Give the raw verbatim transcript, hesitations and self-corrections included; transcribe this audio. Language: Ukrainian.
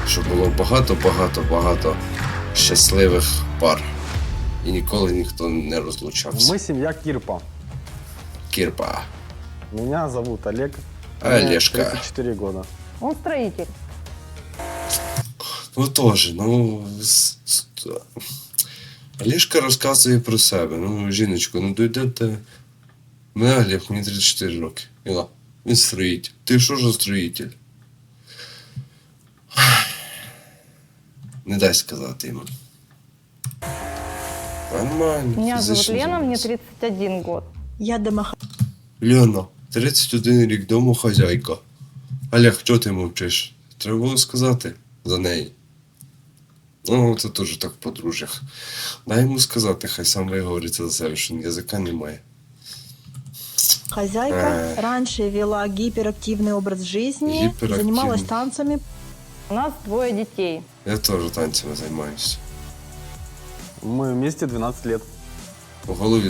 щоб було багато-багато-багато щасливих пар. І ніколи ніхто не розлучався. Мы семья Кирпа. Кірпа. Меня зовут Олег. Мне Олежка. тридцать четыре года. Он строитель. Ну теж, ну. з- з- Олежка розказує про себе. Ну, жіночко, ну дойдете. Мене Олег, мені тридцять чотири роки. Іла, він строїтель. Ти що ж строїтель? Не дай сказати йому. Нормально. Меня зовут фізично Лена, мне займайся. тридцать один год. Я домохозяйка. Лена, тридцять один рік, домохозяйка. Олег, чого ти мовчиш? Треба було сказати за неї. Ну, це теж так в подружжях. Дай йому сказати, хай сам виговориться за себе, що язика немає. Э. Раньше вела гиперактивный образ жизни, Гиперактивный. занималась танцами. У нас двое детей. Я теж танцями займаюся. Мы вместе двенадцать лет. У голові